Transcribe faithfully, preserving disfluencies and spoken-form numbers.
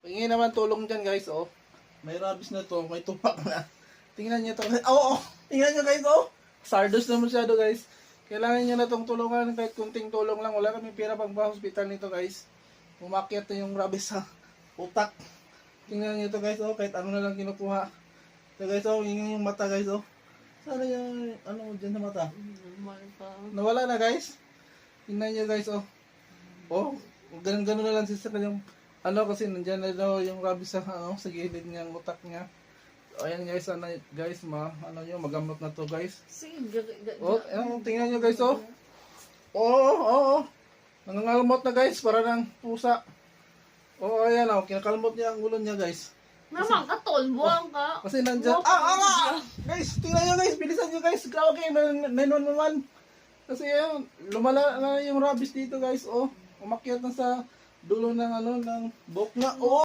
Hingi naman tulong dyan guys, oh. May rabies na to, may tupak na. Tingnan nyo to. Oo, oh, oh. Tingnan nyo guys, oh. Sardos na masyado guys. Kailangan nyo na tong tulungan, kahit kunting tulong lang. Wala kami pera pang pa-hospital nito guys. Umakyat na yung rabies sa utak. Tingnan nyo to guys, oh. Kahit ano na lang kinukuha. So guys, oh, hingi yung mata guys, oh. Sana yung, ano, dyan sa mata. Nawala na guys. Tingnan nyo guys, oh. Oh, ganun-ganun na lang siya sa kanyang ano kasi nandiyan na daw yung rabies sa ano sa gilid ng utak niya. So, ayan guys, ano guys, ma ano niyo magamot na to guys. Sige, Oh, ayan, tingnan niyo guys, oh. Oo, oh, oo. Oh, nangangalmot na guys para ng pusa. Oh, ayan oh, kinakalmot niya ang ulo niya guys. naman ka, tol, buwang ka. Kasi nandiyan, ah, ah, ah! Guys, tingnan niyo guys, bilisan niyo guys. Grabe kayo, nine one one. Kasi ayan, lumala na yung rabies dito guys, oh. Umakyat na sa dulo ng ano ng buhok na. Oh!